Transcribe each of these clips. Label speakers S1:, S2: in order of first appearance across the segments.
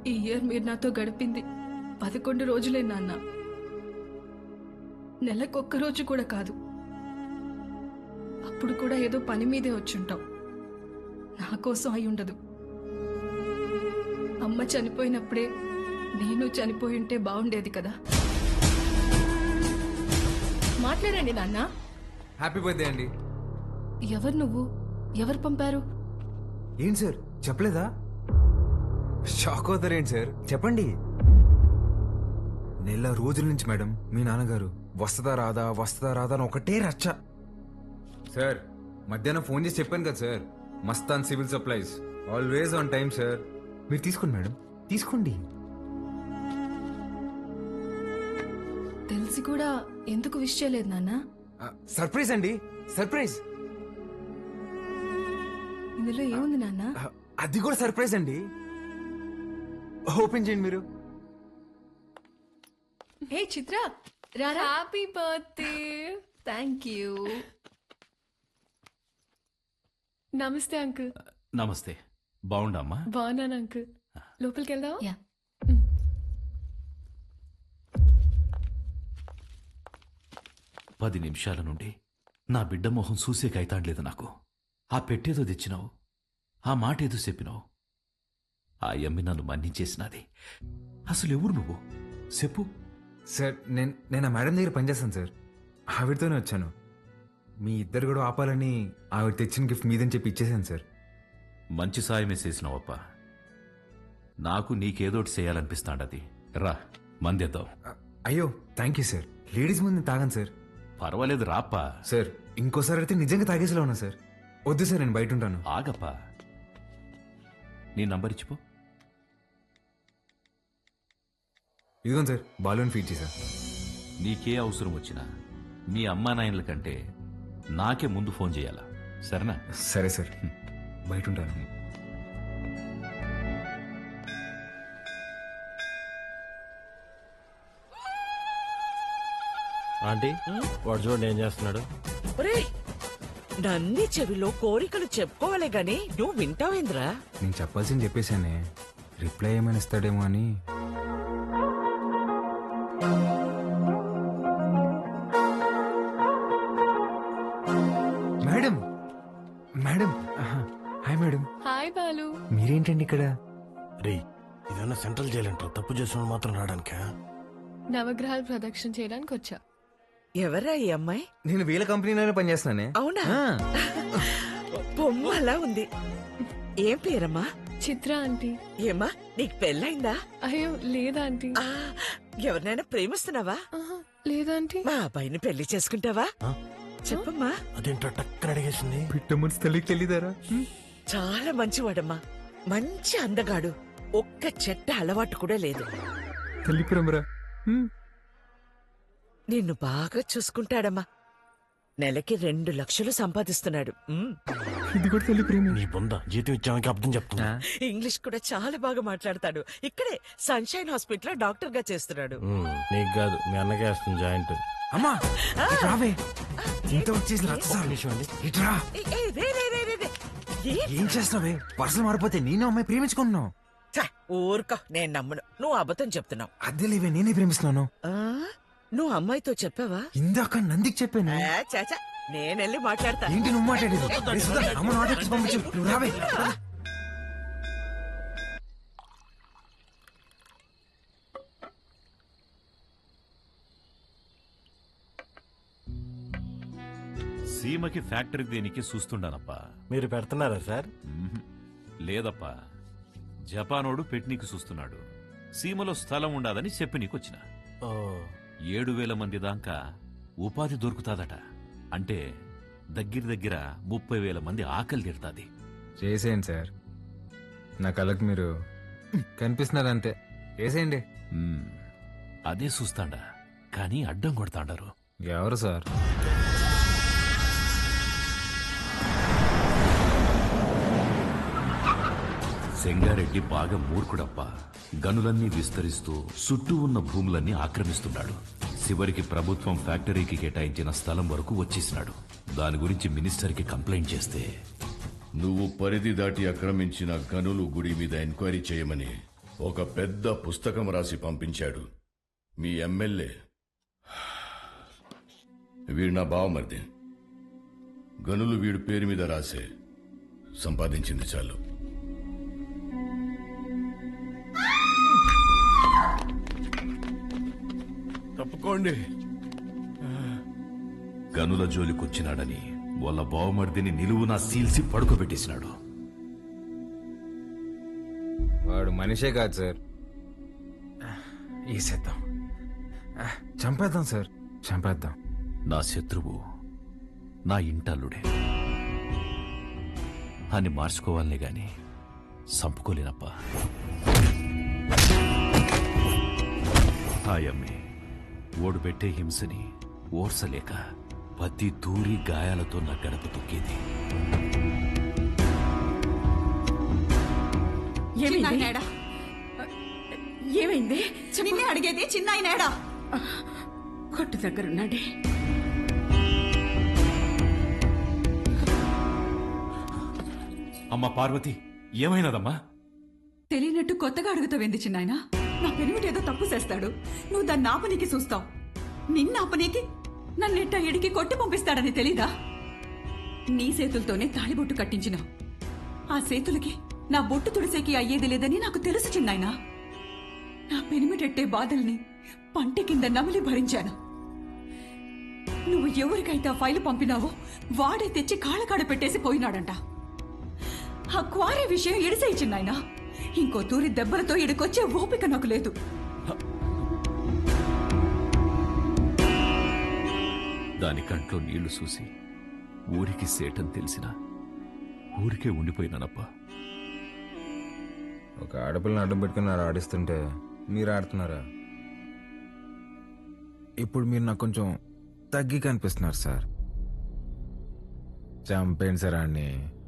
S1: ఈ ఇయర్ మీరు నాతో గడిపింది 11 రోజులే నాన్న. నెలకొక్క రోజు కూడా కాదు. అప్పుడు కూడా ఏదో పని మీదే వచ్చుంటాం. నా కోసం అయి ఉండదు. అమ్మ చనిపోయినప్పుడే నేను చనిపోయి ఉంటే బాగుండేది కదా. మాట్లాడండి నాన్న.
S2: హ్యాపీ బర్త్డే అండి.
S1: ఎవరు నువ్వు? ఎవరు పంపారు?
S2: ఏంటి సార్ చెప్పలేదా? షాక్ అవుతారేంటి సార్, చెప్పండి. నెల రోజుల నుంచి మేడం మీ నాన్నగారు వస్తుందా రాదా అని ఒకటే రచ్చ. సార్ మధ్యాహ్నం ఫోన్ చేసి చెప్పాను కదా sir, Mastan civil supplies always on time sir. మీరు తీసుకోండి మేడం, తీసుకోండి.
S1: తెలిసి కూడా ఎందుకు విష్ చేయలేదు నాన్న?
S2: సర్ప్రైజ్ అండి, సర్ప్రైజ్.
S1: ఇందులో ఏముంది నాన్న?
S2: అది కూడా సర్ప్రైజ్ అండి. ఓపెన్ చేయండి మీరు.
S1: హే చిత్ర, రారా. Happy birthday. Thank you.
S3: నమస్తే అంకుల్.
S4: నమస్తే. బాగుండమ్మా?
S3: బాగున్నాను అంకుల్. లోపలికి వెళ్దాం.
S1: యా.
S4: 10 నిమిషాల నుండి నా బిడ్డ మొహం చూసే కైతాడలేదు నాకు. ఆ పెట్టేదో తెచ్చినావు, ఆ మాట ఏదో చెప్పినావు. ఆ యమ్మి నన్ను మన్నించేసినది. అసలు ఎవరు నువ్వు చెప్పు.
S2: సార్ నేను ఆ మేడం దగ్గర పనిచేస్తాను సార్, ఆవిడతోనే వచ్చాను. మీ ఇద్దరు కూడా ఆపాలని ఆవిడ తెచ్చిన గిఫ్ట్ మీదని చెప్పి ఇచ్చేసాను సార్.
S4: మంచి సాయమే చేసినావప్ప. నాకు నీకేదోటి చేయాలనిపిస్తాండది. రా మందేద్దాం.
S2: అయ్యో థ్యాంక్ యూ సార్. లేడీస్ ముందు తాగాను సార్.
S4: పర్వాలేదు రాప్పా.
S2: సార్ ఇంకోసారి అయితే నిజంగా తాగేసేలా ఉన్నా సార్. వద్దు సార్, నేను బయట ఉంటాను.
S4: ఆగప్పా, నీ నంబర్ ఇచ్చిపో.
S2: ఇదిగోండి సార్, బాలూన్ ఫీడ్ చేశా.
S4: నీకే అవసరం వచ్చినా మీ అమ్మా నాయనల కంటే నాకే ముందు ఫోన్ చేయాలా, సరేనా?
S2: సరే సార్, బయట ఉంటాను.
S5: ఆంటీ వాడు చూడండి ఏం చేస్తున్నాడు.
S6: నన్ని చెవిలో కోరికలు చెప్పుకోవాలే గాని నువ్వు వింటావేంద్రా?
S2: నేను చెప్పాల్సింది చెప్పేశానే, రిప్లై ఏమైనా ఇస్తాడేమో అని. Madam madam hi madam.
S3: Hi Balu.
S2: మీరేంటండి ఇక్కడ?
S5: రే ఇదన్నా సెంట్రల్ జైలు అంటారు, తప్పు చేసిన మాత్రం రావడానికా?
S3: నవగ్రహాలు ప్రదక్షిణ చేయడానికి వచ్చా.
S6: ఎవరా ఈ అమ్మాయి?
S2: నేను వీళ్ళ కంపెనీలోనే పనిచేస్తున్నానే.
S6: అవునా? బొమ్మలా ఉంది. ఏం పేరమ్మా?
S3: చిత్ర ఆంటీ.
S6: ఏమ్మా నీకు పెళ్ళైందా?
S3: అయ్యో లేదా ఆంటీ.
S6: ఎవరినైనా ప్రేమిస్తున్నావా?
S3: లేదాంటీ.
S6: మా అబ్బాయిని పెళ్లి చేసుకుంటావా? చెప్పమ్మా.
S5: అదేంటో టక్కన అడిగేసింది.
S2: పిట్ట మనసు తల్లికి తెలియదారా?
S6: చాలా మంచివాడమ్మా, మంచి అందగాడు. ఒక్క చెట్ట అలవాటు కూడా లేదు.
S2: తల్లి ప్రేమరా.
S6: నిన్ను బాగా చూసుకుంటాడమ్మా. నెలకి 2 లక్షలు సంపాదిస్తున్నాడు.
S2: ఇది కూడా తల్లి ప్రేమ.
S5: నీ బొంద జీతం ఇచ్చామని అర్థం చెప్తున్నా.
S6: ఇంగ్లీష్ కూడా చాలా బాగా మాట్లాడతాడు. ఇక్కడే సన్షైన్ హాస్పిటల్ డాక్టర్ గా చేస్తున్నాడు.
S5: నీకు కాదు మీ అన్నకే వస్తుంది జాయింట్.
S2: అమ్మా రావే, ఇంత వచ్చేసి ఇట్రా. ఏం చేస్తున్నావే? పర్సలు మారిపోతే నేను అమ్మాయి ప్రేమించుకుంటున్నావు.
S6: ఊరుకో, నేను నమ్మను. నువ్వు అబద్ధం చెప్తున్నావు.
S2: అద్దె లేవే, నేనే ప్రేమిస్తున్నాను.
S6: నువ్వు అమ్మాయితో చెప్పావా?
S2: ఇందాక నందికి చెప్పాను.
S6: చాచా, నేనెళ్ళి మాట్లాడతా.
S2: ఏంటి నువ్వు మాట్లాడేది? అమ్మ నాటకి పంపించు, నువ్వు రావే.
S4: సీమకి ఫ్యాక్టరీ దేనికి చూస్తుండానప్పా.
S5: మీరు పెడుతున్నారా సార్?
S4: లేదప్పా, జపానోడు పెట్టనీకి చూస్తున్నాడు. సీమలో స్థలం ఉండాదని చెప్పి నీకొచ్చిన. 7,000 మంది దాకా ఉపాధి దొరుకుతాదట. అంటే దగ్గర 30,000 మంది ఆకలి తీరుతాది.
S2: చేసేయండి సార్, నా కళ్ళకు మీరు కనిపిస్తున్నారంతే. చేసేయండి.
S4: అదే చూస్తాండా, కానీ అడ్డం కొడతాండారు.
S2: ఎవరు సార్?
S4: సెంగారెడ్డి బాగా మూర్ఖుడప్పా. గనులన్నీ విస్తరిస్తూ చుట్టూ ఉన్న భూములన్నీ ఆక్రమిస్తున్నాడు. చివరికి ప్రభుత్వం ఫ్యాక్టరీకి కేటాయించిన స్థలం వరకు వచ్చేసినాడు. దాని గురించి మినిస్టర్కి కంప్లైంట్ చేస్తే,
S7: నువ్వు పరిధి దాటి ఆక్రమించిన గనులు గుడి మీద ఎంక్వైరీ చేయమని ఒక పెద్ద పుస్తకం రాసి పంపించాడు మీ ఎమ్మెల్యే. వీడు నా బావమరిది. గనులు వీడి పేరు మీద రాసే సంపాదించింది చాలు.
S5: తప్పుకోండి.
S4: గనుల జోలికొచ్చినాడని వాళ్ళ బావమర్దిని నిలువునా సీల్సి పడుకోబెట్టేసినాడు.
S2: వాడు మనిషే కాదు సార్. ఈసేద్దాం, చంపేద్దాం సార్, చంపేద్దాం.
S4: నా శత్రువు నా ఇంటల్లుడే అని మార్చుకోవాలనే గాని సంపుకోలేనప్ప. హాయమ్మే ఓడు పెట్టే హింసని ఓర్సలేక పత్తి దూరి గాయాలతో నా గడప తొక్కేది.
S8: ఏమైంది? నిన్నే అడిగేది. చిన్నాయనేడా? కొట్టు దగ్గరున్నాడే.
S4: అమ్మ పార్వతి, ఏమైనదమ్మా?
S8: తెలియనట్టు కొత్తగా అడుగుతావేంది చిన్నాయన? నా పెనిమిటేదో తప్పు చేస్తాడు, నువ్వు దాన్ని ఆపనీకి చూస్తావు. నిన్న ఆపనీకి నన్నెట్ట ఎడికి కొట్టి పంపిస్తాడని తెలీదా? నీ చేతులతోనే తాళిబొట్టు కట్టించినావు. ఆ చేతులకి నా బొట్టు తుడిసేకి అయ్యేది లేదని నాకు తెలుసు చిన్నాయన. నా పెనిమిటెట్టే బాధల్ని పంటి కింద నమిలి భరించాను. నువ్వు ఎవరికైతే ఆ ఫైలు పంపినావో వాడే తెచ్చి కాళ్ళకాడ పెట్టేసి పోయినాడంట. ఆ క్వారీ విషయం ఎడిసేయి చిన్నాయన. ఇంకో తూరి దెబ్బలతో ఇడికొచ్చే ఓపిక నాకు లేదు.
S4: దాని కంట్లో నీళ్లు చూసి ఊరికి సేటని తెలిసిన ఊరికే ఉండిపోయినానప్పా.
S2: ఒక ఆడపిల్లని అడ్డం పెట్టుకుని ఆడిస్తుంటే మీరు ఆడుతున్నారా? ఇప్పుడు మీరు నాకు కొంచెం తగ్గి కనిపిస్తున్నారు సార్. చంపేయండి సార్ ఆడిని.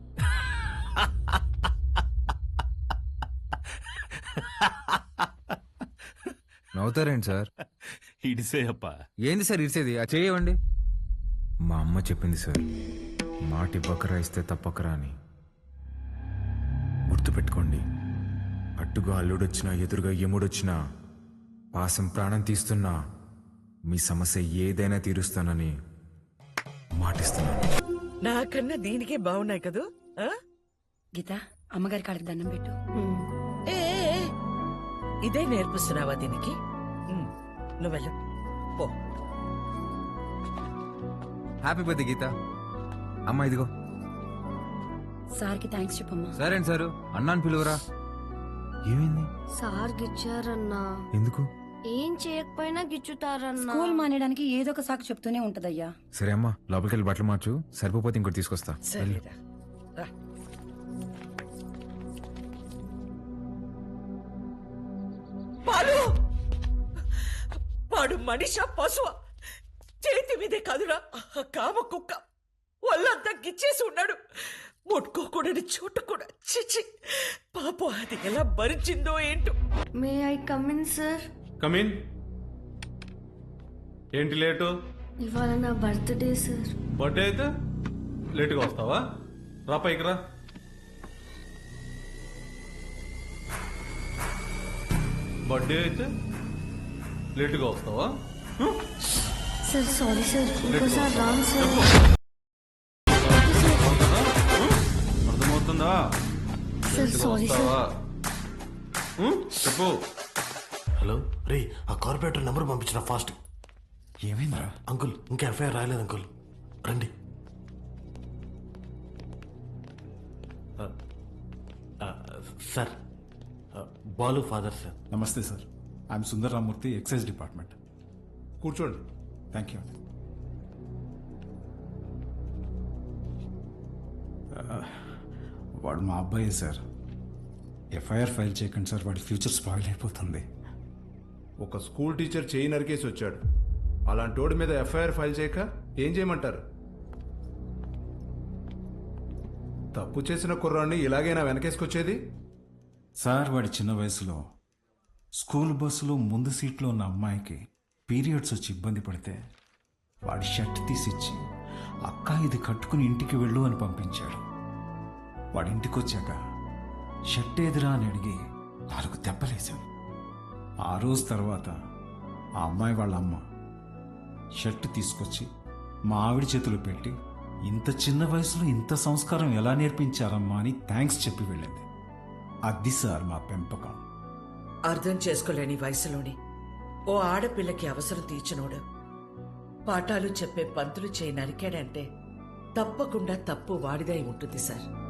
S2: నవ్వుతారేంటి సార్?
S4: ఇడిసే అప్ప.
S2: ఏంది సార్ ఇడిసేది? ఆ చేయవండి. మా అమ్మ చెప్పింది సార్, మాటి బకరా ఇస్తే తప్పకరా అని. గుర్తుపెట్టుకోండి, అట్టుగా అల్లుడొచ్చినా ఎదురుగా యముడొచ్చినా పాసం ప్రాణం తీస్తున్నా మీ సమస్య ఏదైనా తీరుస్తానని మాటిస్తున్నాను.
S6: నాకన్నా దీనికే బాగున్నాయి కదూ. ఆ?
S8: గీత, అమ్మగారి కాళ్ళకి దండం పెట్టు.
S6: ఏ ఏ, ఏ, ఇదే నేర్పిస్తున్నావా దీనికి? నువ్వెళ్ళు పో.
S2: Happy birthday Geetha. అమ్మ ఇదిగో.
S8: సార్కి థ్యాంక్స్ చెప్పమ్మా.
S2: సరే అండి సారు, అన్నాను పిలువరా. ఏమైంది?
S9: సార్ గిచ్చారన్నా.
S2: ఎందుకు?
S9: ఏం చేయకపోయినా గిచ్చుతారన్నా.
S8: స్కూల్ మానేయడానికి ఏదో ఒక సాకు చెప్తూనే ఉంటదయ్యా.
S2: సరే అమ్మా, లోపలికి వెళ్ళి బట్టలు మార్చు. సరిపోతే ఇంకోటి తీసుకొస్తా.
S6: సరేరా, రా. పాలు వాడు మనిషా పశువా? చేతి మీదే కాదురా కామ కుక్క. వాళ్ళంతా గిచ్చేసి ఉన్నాడు. ముట్టుకోకూడని చోట కూడా. చిచి పాపం, అది ఎలా భరించిందో ఏంటో.
S9: May I come in sir?
S10: Come in. ఏంటి లేటు?
S9: ఇవాళ నా బర్త్డే సార్.
S10: బర్త్డే అయితే లేటుగా వస్తావా? రా పైకి రా. బర్త్డే అయితే లేటుగా వస్తావా?
S9: సార్ సారీ సార్, ఇంకోసారి రాను సార్.
S10: అర్థమవుతుందా?
S9: Sir sorry sir.
S10: వస్తావా? చెప్పు.
S5: హలో రే, ఆ కార్పొరేటర్ నెంబర్ పంపించిన ఫాస్ట్.
S2: ఏమైందిరా?
S5: అంకుల్, ఇంకా ఎఫ్ఐఆర్ రాయలేదు అంకుల్. రండి. Sir, Balu father sir.
S11: నమస్తే sir, I'm Sundar Ramurthy, excise department.
S10: కూర్చోండి.
S11: Thank you. వాడు మా అబ్బాయే సార్. ఎఫ్ఐఆర్ ఫైల్ చేయకండి సార్, వాడి ఫ్యూచర్ స్పాయిల్ అయిపోతుంది.
S10: ఒక స్కూల్ టీచర్ చేయి నరికేసి వచ్చాడు. అలాంటి వాడి మీద ఎఫ్ఐఆర్ ఫైల్ చేయక ఏం చేయమంటారు? తప్పు చేసిన కుర్రాన్ని ఇలాగైనా వెనకేసుకొచ్చేది?
S11: సార్, వాడి చిన్న వయసులో స్కూల్ బస్సులో ముందు సీట్లో ఉన్న అమ్మాయికి పీరియడ్స్ వచ్చి ఇబ్బంది పడితే వాడి షర్ట్ తీసిచ్చి, అక్క ఇది కట్టుకుని ఇంటికి వెళ్ళు అని పంపించాడు. వాడి ఇంటికి వచ్చాక షర్ట్ ఏదిరా అని అడిగి 4 దెబ్బలేశాను. ఆ రోజు తర్వాత ఆ అమ్మాయి వాళ్ళ అమ్మ షర్ట్ తీసుకొచ్చి మా ఆవిడ చేతిలో పెట్టి, ఇంత చిన్న వయసులో ఇంత సంస్కారం ఎలా నేర్పించారమ్మా అని థ్యాంక్స్ చెప్పి వెళ్ళింది. అది సార్ మా పెంపకం.
S6: అర్థం చేసుకోలేని వయసులోని ఓ ఆడపిల్లకి అవసరం తీర్చినోడు పాఠాలు చెప్పే పంతులు చేయి నరికాడంటే తప్పకుండా తప్పు వాడిదై ఉంటుంది సార్.